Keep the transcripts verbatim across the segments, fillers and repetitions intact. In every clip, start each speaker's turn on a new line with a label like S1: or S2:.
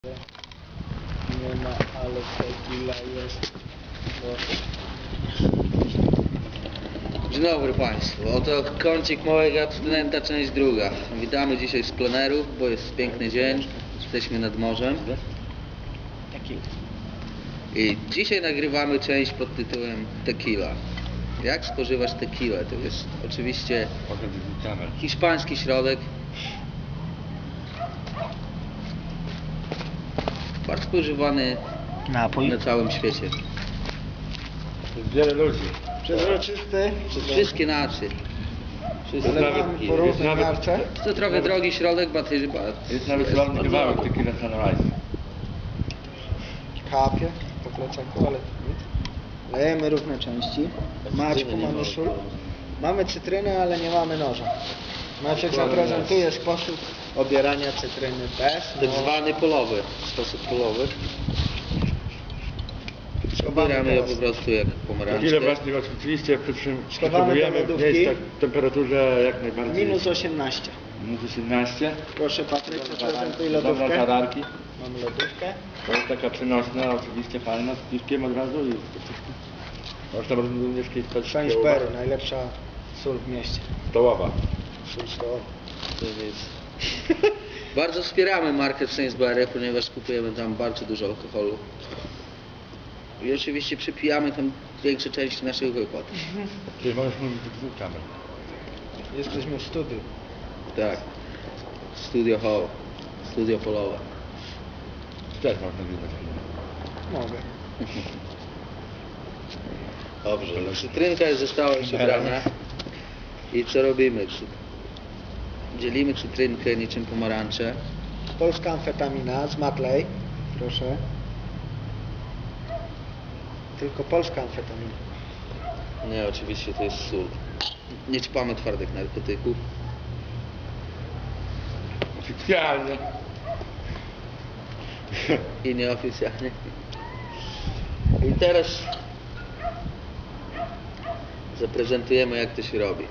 S1: Nie ma, ale tequila jest.
S2: Dzień dobry Państwu, oto kącik małego abstynenta, część druga. Witamy dzisiaj z pleneru, bo jest piękny dzień, jesteśmy nad morzem.
S1: Tequila.
S2: I dzisiaj nagrywamy część pod tytułem Tequila. Jak spożywać tequilę? To jest oczywiście hiszpański środek. Bardzo spożywany
S1: Napój.
S2: na całym świecie.
S3: Wiele ludzi.
S1: Przezroczysty.
S2: Przez wszystkie nacje. Wszystkie
S3: Ale
S1: Mamy
S2: nacje.
S1: po różnej
S3: jest nawet-
S1: marce.
S2: To trochę drogi środek, bo to jest
S3: Jest nawet ładny kawałek Tequila Sunrise.
S1: Kapie. Po plecaku, ale nic. Lejemy różne części. Maćku, mamy sól. Mamy cytrynę, ale nie mamy noża. Maciek zaprezentuje sposób obierania cytryny bez
S2: tak
S1: noża.
S2: zwany polowy, sposób polowy. Obieramy ją po prostu jak pomarańczkę.
S3: Tequila właśnie oczywiście przy czym
S1: Schowamy do
S3: potrzebujemy
S1: lodówki.
S3: mieć tak w temperaturze jak najbardziej.
S1: Minus osiemnaście.
S3: Minus osiemnaście.
S1: Proszę Patryk, zaprezentuj
S3: Dobra
S1: lodówkę.
S3: tararki.
S1: Mamy lodówkę.
S3: To jest taka przenośna, oczywiście fajna, z piwkiem od razu i można również kiedyś
S1: Sainsbury, najlepsza sól w mieście.
S3: stołowa.
S1: Sól stołowa.
S2: To jest... Bardzo wspieramy markę Sainsbury, ponieważ kupujemy tam bardzo dużo alkoholu. I oczywiście przypijamy tam większe części naszych wypłat.
S3: Czyli możesz mówić do dwóch kamer.
S1: Jesteśmy w studiu.
S2: Tak. Studio Hall. Studio polowe.
S3: Też można nagrywać.
S1: Mogę.
S2: Dobrze. Cytrynka jest została już ubrana. I co robimy? Dzielimy cytrynkę niczym pomarańcze.
S1: Polska amfetamina z Matley. Proszę. Tylko polska amfetamina.
S2: Nie, oczywiście to jest sól. Nie ćpamy twardych narkotyków.
S3: Oficjalnie.
S2: I nieoficjalnie. I teraz zaprezentujemy, jak to się robi.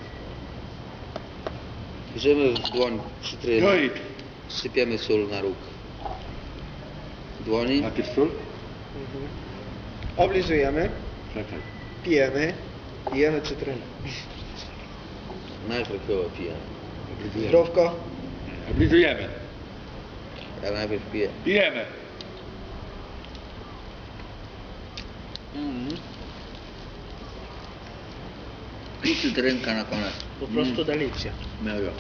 S2: Bierzemy w dłoń cytrynę,
S3: No i
S2: sypiemy sól na róg dłoni.
S3: najpierw sól?
S1: Mhm. Oblizujemy,
S3: Czekaj.
S1: pijemy i jemy cytrynę.
S2: Najpierw chyba piję.
S3: Oblizujemy.
S1: Zdrówko.
S3: Oblizujemy.
S2: Ja najpierw piję.
S3: Pijemy.
S2: Mm. I cytrynka na koniec.
S1: Po prostu delicja.
S2: Mega.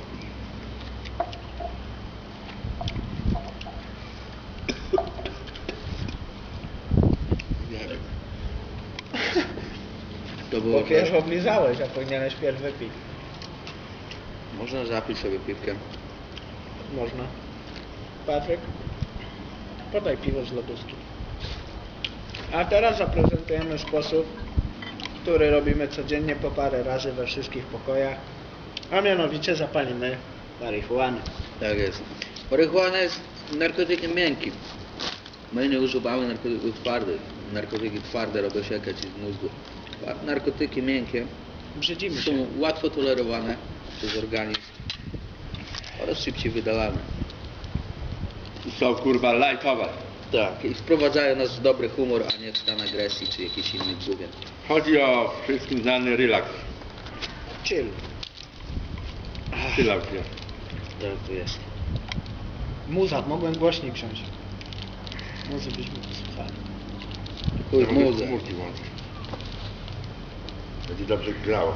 S2: To było
S1: Bo pierwszy oblizałeś, a powinieneś pierw wypić.
S2: Można zapić sobie piwkiem.
S1: Można. Patryk, podaj piwo z lodówki. A teraz zaprezentujemy sposób, który robimy codziennie po parę razy we wszystkich pokojach. A mianowicie zapalimy marihuanę.
S2: Tak jest. Marihuana jest narkotykiem miękkim. My nie używamy narkotyków twardych. Narkotyki twarde robią się jakieś z mózgu. A narkotyki miękkie
S1: Brzydzimy
S2: są
S1: się.
S2: łatwo tolerowane przez organizm oraz szybciej wydalane.
S3: I są kurwa lajkowe.
S2: Tak, i wprowadzają nas w dobry humor, a nie w stan agresji czy jakiś inny gówien.
S3: Chodzi o wszystkim znany relaks.
S1: Chill.
S3: Relaks jest.
S2: Tak to jest.
S1: Muza, mogłem głośniej wziąć. Muzy byśmy posłuchali.
S2: Chuj
S3: Ja mogę
S2: muzę.
S3: komórki włączyć. Będzie dobrze grało.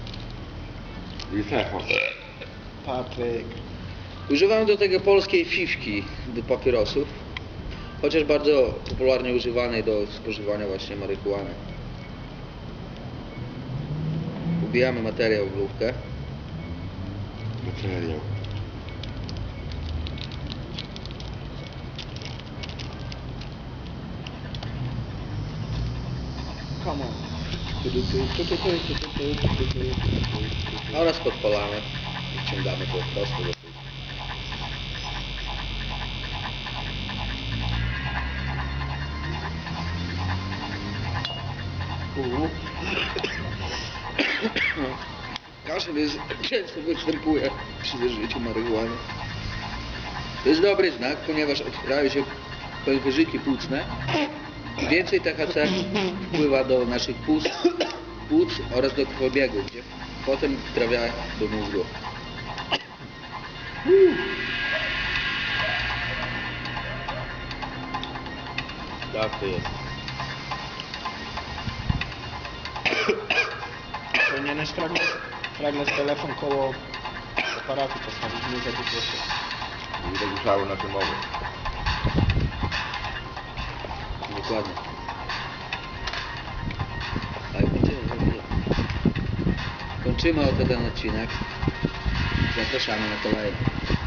S3: I techo.
S1: Patryk.
S2: Używam do tego polskiej fifki do papierosów, chociaż bardzo popularnie używanej do spożywania właśnie marihuany. Ubijamy materiał w lufkę.
S3: Materiał.
S1: Come on.
S2: Oraz podpalamy i wciągamy to prosto do tyłu. Kaszel jest, często występuje przy zażyciu marihuany. To jest dobry znak, ponieważ otwierają się pęcherzyki płucne, więcej T H C wpływa do naszych płuc, płuc oraz do krwobiegu, gdzie potem trafia do mózgu.
S3: Tak to jest.
S1: Powinieneś fragment, fragment telefon koło aparatu postawić, nie za dużo się.
S3: I zagłuszały nasze mowy.
S2: Dokładnie. Ale kończymy, kończymy. Kończymy oto ten odcinek. Zapraszamy na kolejny.